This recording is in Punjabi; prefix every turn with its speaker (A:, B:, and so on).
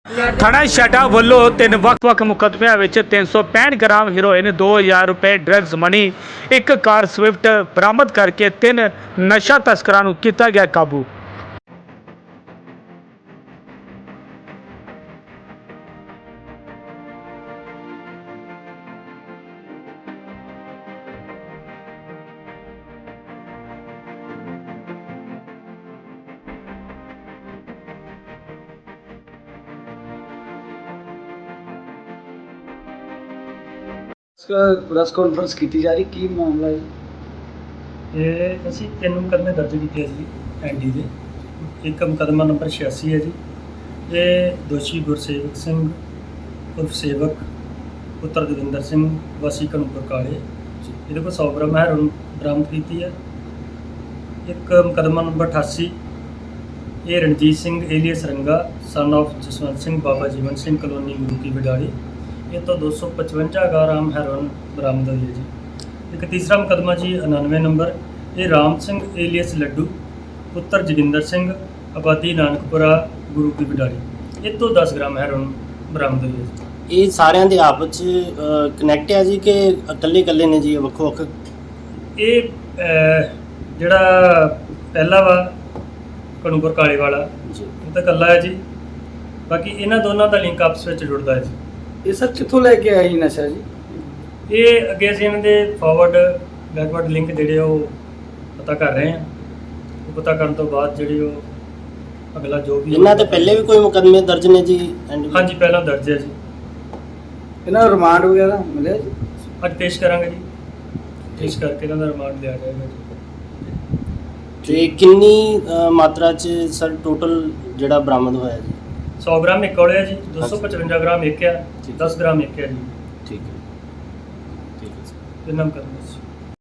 A: ਥਾਣਾ ਛਾਟਾ ਵੱਲੋਂ 3 ਵੱਖ-ਵੱਖ ਮੁਕੱਦਮਿਆਂ ਵਿੱਚ 365 ਗ੍ਰਾਮ ਹੈਰੋਇਨ, 2000 ਰੁਪਏ ਡਰੱਗਸ ਮਨੀ, ਇੱਕ ਕਾਰ ਸਵਿਫਟ ਬਰਾਮਦ ਕਰਕੇ 3 ਨਸ਼ਾ ਤਸਕਰਾਂ ਨੂੰ ਕੀਤਾ ਗਿਆ ਕਾਬੂ।
B: ਪ੍ਰੈਸ ਕਾਨਫਰੰਸ ਕੀਤੀ ਜਾ ਰਹੀ, ਕੀ ਮਾਮਲਾ ਹੈ?
C: ਇਹ ਅਸੀਂ 3 ਮੁਕੱਦਮੇ ਦਰਜ ਕੀਤੇ ਆ ਜੀ ਐਨਡੀ ਦੇ। ਇੱਕ ਮੁਕੱਦਮਾ ਨੰਬਰ 86 ਹੈ ਜੀ। ਇਹ ਦੋਸ਼ੀ ਗੁਰਸੇਵਕ ਸਿੰਘ ਉਰਫ ਸੇਵਕ ਪੁੱਤਰ ਦਵਿੰਦਰ ਸਿੰਘ ਵਾਸੀ ਕਨੂਪੁਰ ਕਾਲੇ, ਇਹਦੇ ਕੋਲ 100 ਗ੍ਰਾਮ ਹੈਰੋਇਨ ਬਰਾਮਦ ਕੀਤੀ ਹੈ। ਇੱਕ ਮੁਕੱਦਮਾ ਨੰਬਰ 88, ਇਹ Ranjit Singh alias Ranga son of Jaswant Singh Baba Jeevan Singh colony Guru Ki Wadali, ਇਹ ਤੋਂ 255 ਗ੍ਰਾਮ ਹੈਰੋਇਨ ਬਰਾਮਦ ਹੋਈ ਹੈ ਜੀ। ਇੱਕ ਤੀਸਰਾ ਮੁਕੱਦਮਾ ਜੀ 99 ਨੰਬਰ, ਇਹ ਰਾਮ ਸਿੰਘ ਏਲੀਅਸ ਲੱਡੂ ਪੁੱਤਰ ਜੋਗਿੰਦਰ ਸਿੰਘ ਆਬਾਦੀ ਨਾਨਕਪੁਰਾ ਗੁਰੂ ਕੀ ਵਿਡਾਲੀ, ਇਹ ਤੋਂ 10 ਗ੍ਰਾਮ ਹੈਰੋਇਨ ਬਰਾਮਦ ਹੋਈ ਹੈ ਜੀ।
D: ਇਹ ਸਾਰਿਆਂ ਦੇ ਆਪਸ ਚ ਕਨੈਕਟ ਹੈ ਜੀ ਕਿ ਇਕੱਲੇ ਇਕੱਲੇ ਨੇ ਜੀ, ਵੱਖੋ ਵੱਖ?
C: ਇਹ ਜਿਹੜਾ ਪਹਿਲਾ ਵਾ ਕਨੂਪੁਰ ਕਾਲੇ ਵਾਲਾ
D: ਜੀ,
C: ਇਹ ਤਾਂ ਇਕੱਲਾ ਹੈ ਜੀ। ਬਾਕੀ ਇਹਨਾਂ ਦੋਨਾਂ ਦਾ ਲਿੰਕ ਆਪਸ ਵਿੱਚ ਜੁੜਦਾ ਹੈ ਜੀ।
B: ਇਹ ਸਰ ਕਿੱਥੋਂ ਲੈ ਕੇ ਆਇਆ ਜੀ ਨਸ਼ਾ ਜੀ?
C: ਇਹ ਅੱਗੇ ਅਸੀਂ ਇਹਨਾਂ ਦੇ ਫਾਰਵਰਡ ਬੈਕਵਰਡ ਲਿੰਕ ਜਿਹੜੇ ਉਹ ਪਤਾ ਕਰ ਰਹੇ ਹਾਂ। ਉਹ ਪਤਾ ਕਰਨ ਤੋਂ ਬਾਅਦ ਜਿਹੜੇ ਉਹ ਅਗਲਾ ਜੋ ਵੀ
D: ਇਹਨਾਂ ਤੇ ਪਹਿਲੇ ਵੀ ਕੋਈ ਮੁਕੱਦਮੇ ਦਰਜ ਨੇ ਜੀ?
C: ਹਾਂਜੀ, ਪਹਿਲਾਂ ਦਰਜ ਹੈ ਜੀ।
B: ਇਹਨਾਂ ਦਾ ਰਿਮਾਂਡ ਵਗੈਰਾ ਮਿਲਿਆ ਜੀ?
C: ਅੱਜ ਪੇਸ਼ ਕਰਾਂਗੇ ਜੀ, ਪੇਸ਼ ਕਰਕੇ ਇਹਨਾਂ ਦਾ ਰਿਮਾਂਡ ਲਿਆ ਜਾਏਗਾ ਜੀ।
D: ਤੇ ਕਿੰਨੀ ਮਾਤਰਾ ਚ ਸਰ ਟੋਟਲ ਜਿਹੜਾ ਬਰਾਮਦ ਹੋਇਆ ਜੀ?
C: 100 ਗ੍ਰਾਮ ਇੱਕ ਹੋਇਆ ਜੀ, 255 ਗ੍ਰਾਮ ਇੱਕ ਆ, 10 ਗ੍ਰਾਮ ਇੱਕ ਆ ਜੀ।
D: ਠੀਕ ਹੈ, ਠੀਕ ਹੈ ਸਰ।
C: ਇਹਨਾਂ ਮੁਕੱਦਮੇ 'ਚ